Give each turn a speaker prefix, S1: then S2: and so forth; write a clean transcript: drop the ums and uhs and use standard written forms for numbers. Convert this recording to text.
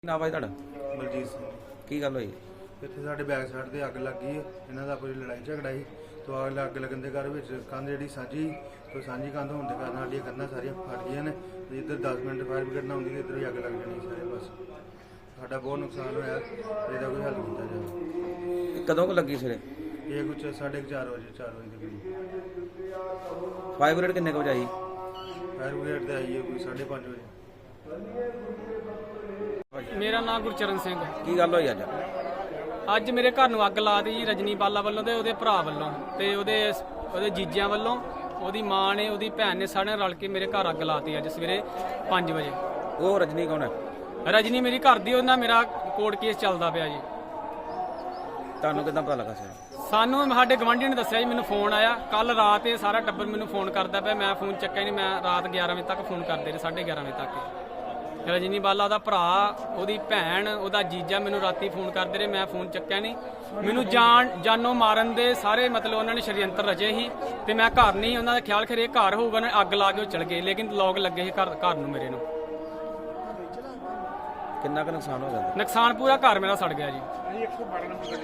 S1: ਨਾ ਭਾਈ ਤੁਹਾਡਾ
S2: ਬਲਜੀਤ ਸਿੰਘ
S1: ਕੀ ਗੱਲ ਹੋਈ?
S2: ਇੱਥੇ ਸਾਡੇ ਬੈਕ ਸਾਈਡ ਤੇ ਅੱਗ ਲੱਗ ਗਈ ਹੈ। ਇਹਨਾਂ ਦਾ ਆਪਣੀ ਲੜਾਈ ਝਗੜਾ ਸੀ ਤੋਂ ਅੱਗ ਲੱਗਣ ਦੇ ਘਰ ਵਿੱਚ ਕੰਧ ਜਿਹੜੀ ਸਾਂਝੀ ਤੋਂ ਸਾਂਝੀ ਕੰਧ ਹੋਣ ਦੇ ਕਾਰਨ ਸਾਡੀਆਂ ਕੰਧਾਂ ਸਾਰੀਆਂ ਫਟ ਗਈਆਂ ਨੇ ਤੇ ਇੱਧਰ 10 ਮਿੰਟ ਫਾਇਰ ਬ੍ਰਿਗੇਡ ਨਾ ਆਉਂਦੀ ਤੇ ਇੱਧਰ ਵੀ ਅੱਗ ਲੱਗ ਜਾਣੀ ਸਾਰੇ ਬਸ। ਸਾਡਾ ਬਹੁਤ ਨੁਕਸਾਨ ਹੋਇਆ, ਇਹਦਾ ਕੋਈ ਹੱਲ ਕੀਤਾ ਜਾਵੇ।
S1: ਇਹ ਕਦੋਂ ਕੁ ਲੱਗੀ ਸਵੇਰੇ?
S2: ਇਹ ਕੁਝ 4:30 ਵਜੇ 4 ਵਜੇ ਦੇ ਕਰੀਬ।
S1: ਫਾਇਰ ਬ੍ਰਿਗੇਡ ਕਿੰਨੇ ਕੁ ਵਜੇ ਆਈ?
S2: ਫਾਇਰ ਬ੍ਰਿਗੇਡ ਤੇ ਆਈ ਹੈ ਕੋਈ 5:30 ਵਜੇ।
S3: ਮੇਰਾ ਨਾਮ ਗੁਰਚਰਨ ਸਿੰਘ।
S1: ਕੀ ਗੱਲ ਹੋਈ ਅੱਜ?
S3: ਅੱਜ ਮੇਰੇ ਘਰ ਨੂੰ ਅੱਗ ਲਾਤੀ ਜੀ ਰਜਨੀ ਬਾਲਾ ਵੱਲੋਂ ਤੇ ਉਹਦੇ ਭਰਾ ਵੱਲੋਂ ਤੇ ਉਹਦੇ ਜੀਜਿਆਂ ਵੱਲੋਂ। ਉਹਦੀ ਮਾਂ ਨੇ ਉਹਦੀ ਭੈਣ ਨੇ ਸਾਰਿਆਂ ਰਲ ਕੇ ਮੇਰੇ ਘਰ ਅੱਗ ਲਾਤੀ ਅੱਜ ਸਵੇਰੇ 5 ਵਜੇ।
S1: ਉਹ ਰਜਨੀ ਕੌਣ ਹੈ?
S3: ਰਜਨੀ ਮੇਰੀ ਘਰ ਦੀ, ਉਹਨਾਂ ਮੇਰਾ ਕੋਰਟ ਕੇਸ ਚੱਲਦਾ ਪਿਆ ਜੀ।
S1: ਤੁਹਾਨੂੰ ਕਿੱਦਾਂ ਪਤਾ ਲੱਗਾ ਸਰ?
S3: ਸਾਨੂੰ ਸਾਡੇ ਗਵਾਂਢੀ ਨੇ ਦੱਸਿਆ ਜੀ, ਮੈਨੂੰ ਫੋਨ ਆਇਆ ਕੱਲ ਰਾਤ। ਇਹ ਸਾਰਾ ਟੱਬਰ ਮੈਨੂੰ ਫੋਨ ਕਰਦਾ ਪਿਆ, ਮੈਂ ਫੋਨ ਚੱਕਿਆ ਨਹੀਂ। ਮੈਂ ਰਾਤ 11 ਵਜੇ ਤੱਕ ਫੋਨ ਕਰਦੇ ਰਹੇ, 11:30 ਵਜੇ ਤੱਕ। ਰਜਨੀ ਬਾਲਾ ਦਾ ਭਰਾ, ਉਹਦੀ ਭੈਣ, ਉਹਦਾ ਜੀਜਾ ਮੈਨੂੰ ਰਾਤੀ ਫੋਨ ਕਰਦੇ ਰਹੇ, ਮੈਂ ਫੋਨ ਚੱਕਿਆ ਨਹੀਂ। ਮੈਨੂੰ ਜਾਨੋਂ ਮਾਰਨ ਦੇ ਸਾਰੇ ਮਤਲਬ ਉਹਨਾਂ ਨੇ ਸ਼ਰੀਅੰਤਰ ਰਚੇ ਸੀ ਤੇ ਮੈਂ ਘਰ ਨਹੀਂ। ਉਹਨਾਂ ਦਾ ਖਿਆਲ ਖਰੇ ਘਰ ਹੋਊਗਾ, ਉਹਨੇ ਅੱਗ ਲਾ ਕੇ ਉਹ ਚਲ ਗਏ, ਲੇਕਿਨ ਲੋਕ ਲੱਗੇ ਸੀ ਘਰ ਨੂੰ ਮੇਰੇ ਨੂੰ।
S1: ਕਿੰਨਾ ਕੁ ਨੁਕਸਾਨ ਹੋ ਗਿਆ?
S3: ਨੁਕਸਾਨ ਪੂਰਾ ਘਰ ਮੇਰਾ ਸੜ ਗਿਆ ਜੀ।